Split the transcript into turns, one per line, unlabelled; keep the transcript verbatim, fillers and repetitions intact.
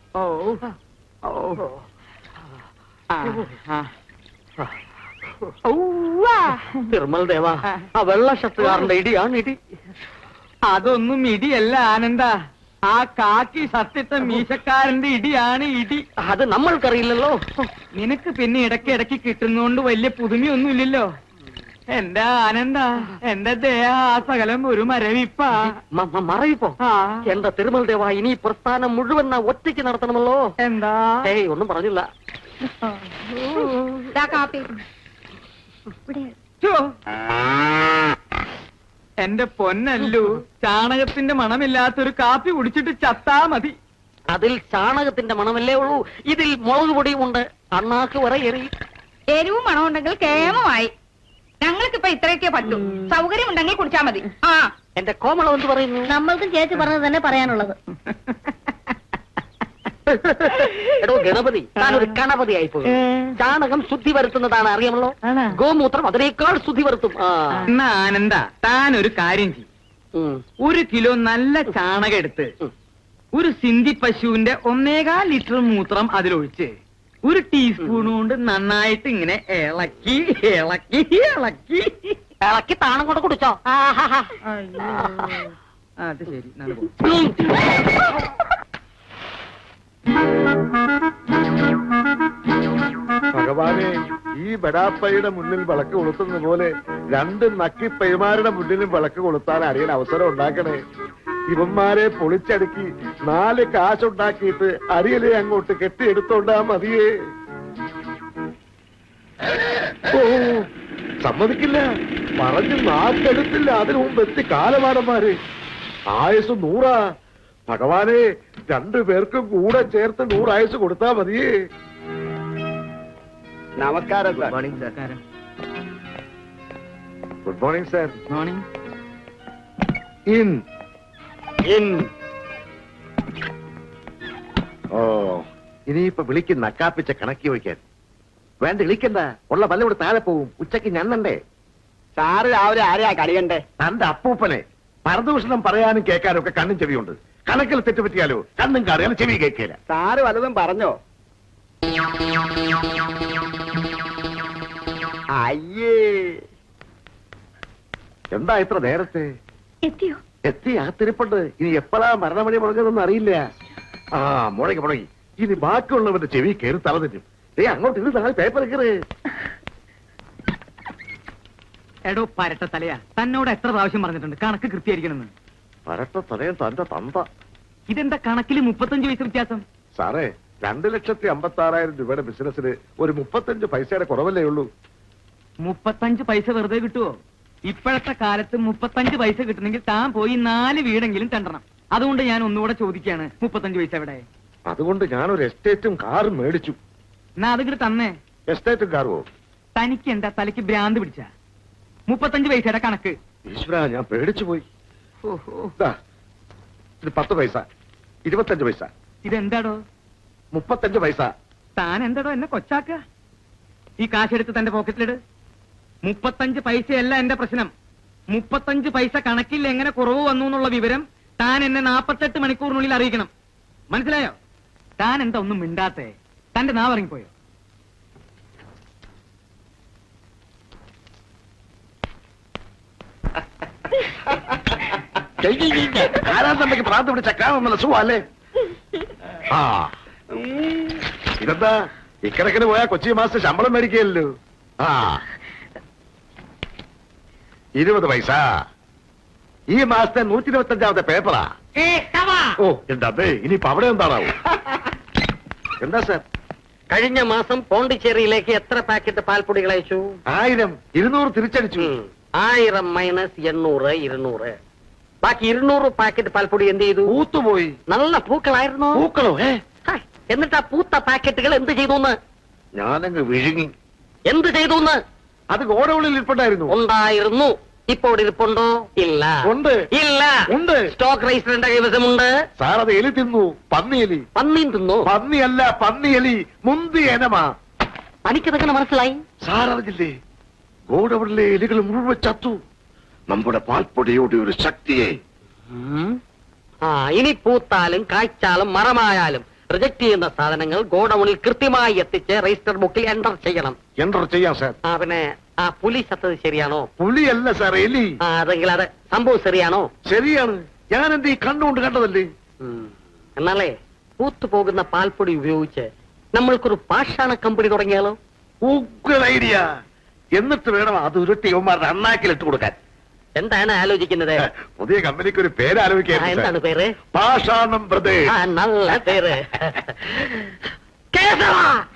ഓ ഓ
തിരുമൽ ദേവാ, ആ വെള്ള ഷർട്ടുകാരന്റെ ഇടിയാണ് ഇടി.
അതൊന്നും ഇടിയല്ല ആനന്ദ, ആ കാക്കി സത്യത്തെ മീശക്കാരന്റെ ഇടിയാണ് ഇടി.
അത് നമ്മൾക്കറിയില്ലല്ലോ.
നിനക്ക് പിന്നെ ഇടയ്ക്ക് ഇടയ്ക്ക് കിട്ടുന്നോണ്ട് വലിയ പുതുമയൊന്നുമില്ലല്ലോ. എന്റെ ആനന്ദ, എന്റെ ദേഹ ആ സകലം ഒരു മരവിപ്പ.
മറവിപ്പോ? എന്റെ തിരുമൽ ദേവാ, ഇനി പ്രസ്ഥാനം മുഴുവൻ ഒറ്റയ്ക്ക് നടത്തണമല്ലോ.
എന്താ?
ഏയ് ഒന്നും പറഞ്ഞില്ല.
എന്റെ പൊന്നല്ലു, ചാണകത്തിന്റെ മണമില്ലാത്തൊരു കാപ്പി കുടിച്ചിട്ട് ചത്താ മതി.
അതിൽ ചാണകത്തിന്റെ മണമല്ലേ ഉള്ളൂ, ഇതിൽ മുളക് പൊടിയുമുണ്ട്. അണ്ണാക്ക് വരെ എറി.
എരിവും മണമുണ്ടെങ്കിൽ കേമമായി. ഞങ്ങൾക്കിപ്പോ ഇത്രയൊക്കെ പറ്റൂ. സൗകര്യം ഉണ്ടെങ്കിൽ കുടിച്ചാ മതി. ആ
എന്റെ കോമളം എന്ത് പറയുന്നു?
നമ്മൾക്കും ചേച്ചി പറഞ്ഞത് തന്നെ പറയാനുള്ളത്.
എടോ ഗണപതി, താനൊരു ഗണപതി ആയിപ്പോയി. ചാണകം ശുദ്ധി വരുത്തുന്നതാണ്, അറിയാമല്ലോ. ഗോമൂത്രം അതിനേക്കാൾ ശുദ്ധി വരുത്തും.
എന്നാ ആനന്ദ, താൻ ഒരു കാര്യം ചെയ്യും. ഒരു കിലോ നല്ല ചാണകം എടുത്ത് ഒരു സിന്ധി പശുവിന്റെ ഒന്നേകാൽ ലിറ്റർ മൂത്രം അതിലൊഴിച്ച് ഒരു ടീസ്പൂൺ കൊണ്ട് നന്നായിട്ട് ഇങ്ങനെ ഇളക്കി ഇളക്കി ഇളക്കി
ഇളക്കി താണം കൊണ്ട് കുടിച്ചോ.
അത് ശരി.
ഭഗവാനെ, ഈ ബഡാപ്പയുടെ മുന്നിൽ വിളക്ക് കൊളുത്തുന്ന പോലെ രണ്ട് നക്കിപ്പൈമാരുടെ മുന്നിലും വിളക്ക് കൊളുത്താൻ അറിയാൻ അവസരം ഉണ്ടാക്കണേ. ഇവന്മാരെ പൊളിച്ചടുക്കി നാല് കാശുണ്ടാക്കിയിട്ട് അരിയലെ അങ്ങോട്ട് കെട്ടിയെടുത്തോണ്ടാ മതിയേ. ഓ സമ്മതിക്കില്ല, പറഞ്ഞു നാക്കെടുത്തില്ല. അതിനു മുമ്പ് എത്തി കാലമാടന്മാര്. ആയുസ് നൂറാ. ഭഗവാനെ, രണ്ടു പേർക്കും കൂടെ ചേർത്ത് നൂറായുസ് കൊടുത്താ മതിയേ.
നമസ്കാരം sir.
Good morning sir.
Morning.
In in ഓ ഇനിയിപ്പൊ വിളിക്കും നക്കാപ്പിച്ച കണക്കി വയ്ക്കാൻ. വേണ്ട, വിളിക്കണ്ട. ഉള്ള പല ഇവിടെ താഴെ പോവും. ഉച്ചക്ക് ഞണ്ണണ്ടേ?
സാറ് രാവിലെ ആരെയാ കളിയണ്ടേ?
തന്റെ അപ്പൂപ്പനെ. പരദൂഷണം പറയാനും കേൾക്കാനും ഒക്കെ കണ്ണും ചെവിയുണ്ട്. കണക്കിൽ തെറ്റുപറ്റിയാലോ കണ്ണും കാറിയാലും ചെവി കേൾക്കില്ല.
സാറ് വല്ലതും പറഞ്ഞോ? അയ്യേ,
എന്താ ഇത്ര നേരത്തെ?
എത്തിയോ?
എത്തി, അകത്തിരിപ്പുണ്ട്. ഇനി എപ്പോഴാ മരണമണി മുഴങ്ങുന്നൊന്നും അറിയില്ല. ആ മുഴങ്ങി മുഴങ്ങി. ഇനി ബാക്കിയുള്ളവന്റെ ചെവി കയറി തലതെറ്റും. ഏ അങ്ങോട്ട് ഇത് നാളെ പേപ്പർ കയറ്.
എടോ പരട്ട തലയാ, തന്നോട് എത്ര പ്രാവശ്യം പറഞ്ഞിട്ടുണ്ട് കണക്ക് കൃത്യമായിരിക്കണമെന്ന്.
പരട്ട തലയും തന്റെ തന്ത.
ഇതെന്താ കണക്കിൽ മുപ്പത്തഞ്ച് പൈസ വ്യത്യാസം?
സാറേ, രണ്ടു ലക്ഷത്തി അമ്പത്തി ആറായിരം രൂപയുടെ ബിസിനസ്സിന് ഒരു മുപ്പത്തഞ്ച് പൈസയുടെ കുറവല്ലേ ഉള്ളൂ.
മുപ്പത്തഞ്ച് പൈസ വെറുതെ കിട്ടുവോ? ഇപ്പോഴത്തെ കാലത്ത് മുപ്പത്തഞ്ച് പൈസ കിട്ടണമെങ്കിൽ താൻ പോയി നാല് വീടെങ്കിലും തണ്ടണം. അതുകൊണ്ട് ഞാൻ ഒന്നുകൂടെ ചോദിക്കാണ്, മുപ്പത്തഞ്ച് പൈസ എവിടെ?
അതുകൊണ്ട് ഞാനൊരു എസ്റ്റേറ്റും കാറും മേടിച്ചു.
എന്നാ അതിങ്ങോട്ട് തന്നേ.
എസ്റ്റേറ്റും കാറുവോ?
തനിക്ക് എന്താ തലയ്ക്ക് ഭ്രാന്ത് പിടിച്ച? മുപ്പത്തഞ്ച് പൈസയുടെ കണക്ക്.
ഈശ്വര, ഞാൻ പേടിച്ചു പോയി.
ഓഹോ,
ഇത് പത്ത് പൈസ, ഇരുപത്തഞ്ച് പൈസ.
ഇതെന്താടോ?
മുപ്പത്തഞ്ച് പൈസ.
താൻ എന്താടോ എന്നെ കൊച്ചാക്ക? ഈ കാശെടുത്ത് തന്റെ പോക്കറ്റിലിട്. മുപ്പത്തഞ്ച് പൈസയല്ല എന്റെ പ്രശ്നം. മുപ്പത്തഞ്ച് പൈസ കണക്കിൽ എങ്ങനെ കുറവ് വന്നു എന്നുള്ള വിവരം താൻ എന്നെ നാപ്പത്തെട്ട് മണിക്കൂറിനുള്ളിൽ അറിയിക്കണം. മനസ്സിലായോ? താൻ എന്താ ഒന്നും മിണ്ടാത്തേ? തന്റെ നാവറങ്ങിപ്പോയോ?
ആരാധനയ്ക്ക് പ്രാർത്ഥന പിടിച്ച കാണുന്നല്ല സുഖല്ലേ? ആ ഇതെന്താ ഇക്കണക്കിന് പോയാ കൊച്ചി മാസം ശമ്പളം മേടിക്കല്ലോ. ആ ഇരുപത് പൈസ. ഈ മാസത്തെ നൂറ്റി ഇരുപത്തി അഞ്ചാമത്തെ പേപ്പറാ. ഓ എന്താ ഇനിയിപ്പോ അവിടെ എന്താണാവും? എന്താ സാർ?
കഴിഞ്ഞ മാസം പോണ്ടിച്ചേരിയിലേക്ക് എത്ര പാക്കറ്റ് പാൽപ്പൊടികൾ അയച്ചു?
ആയിരം. ഇരുന്നൂറ് തിരിച്ചടിച്ചു.
ആയിരം മൈനസ് എണ്ണൂറ്, ഇരുന്നൂറ്. ബാക്കി ഇരുന്നൂറ് പാക്കറ്റ് പാൽപ്പൊടി എന്ത് ചെയ്തു?
പൂത്തുപോയി.
നല്ല പൂക്കളായിരുന്നു.
പൂക്കളോ? ഏ
എന്നിട്ട് ആ പൂത്ത പാക്കറ്റുകൾ എന്ത് ചെയ്തു?
ഞാനങ്ങ് വിഴുങ്ങി.
എന്ത് ചെയ്തു?
അത് ഗോഡൌണിൽ ഇരിപ്പുണ്ടായിരുന്നു.
ഉണ്ടായിരുന്നു. ഇപ്പോൾ ഇരിപ്പുണ്ടോ? ഇല്ല.
ഉണ്ട്.
ഇല്ല.
ഉണ്ട്.
സ്റ്റോക്ക് രജിസ്റ്ററിന്റെ കൈവശമുണ്ട്.
സാർ, അത് എലി തിന്നു. പന്നിയെലി.
പന്നിയും തിന്നു?
പന്നിയല്ല, പന്നിയെലി. മുന്തി എനമാ.
തനിക്കതെങ്ങനെ മനസ്സിലായി?
സാർ അറിഞ്ഞില്ലേ? ഗോഡൌണിലെ എലികൾ മുഴുവൻ ചത്തു. നമ്മുടെ പാൽപ്പൊടിയുടെ ഒരു ശക്തിയെ.
ആ ഇനി പൂത്താലും കായ്ച്ചാലും മരമായാലും റിജക്ട് ചെയ്യുന്ന സാധനങ്ങൾ ഗോഡൌണിൽ കൃത്യമായി എത്തിച്ച് രജിസ്റ്റർ ബുക്കിൽ എൻറർ ചെയ്യണം.
എൻ്റർ ചെയ്യാം സാർ.
ആ പിന്നെ ആ പുലി സത്തത് ശരിയാണോ?
പുലിയല്ല സാർ, എലി.
ആ അതെങ്കിൽ അത് സംഭവം ശരിയാണോ?
ശരിയാണ്, ഞാൻ എന്റെ ഈ കണ്ണുകൊണ്ട് കണ്ടതല്ലേ.
ഉം. എന്നാലേ പൂത്തുപോകുന്ന പാൽപ്പൊടി ഉപയോഗിച്ച് നമ്മൾക്കൊരു പാഷാണ കമ്പനി തുടങ്ങിയാലോ?
ഉഗ്രൻ ഐഡിയ. എന്നിട്ട് വേണം അത് ഉരുട്ടി യുവന്മാരുടെ അണ്ണാക്കിൽ ഇട്ട് കൊടുക്കാൻ.
എന്താണ് ആലോചിക്കുന്നത്?
പുതിയ കമ്പനിക്ക് ഒരു പേര്
ആ,
ആലോചിക്കാൻ.
എന്താണ് പേര്?
പാഷാണം ബ്രദേഴ്സ്.
ആ നല്ല പേര്. കേശവ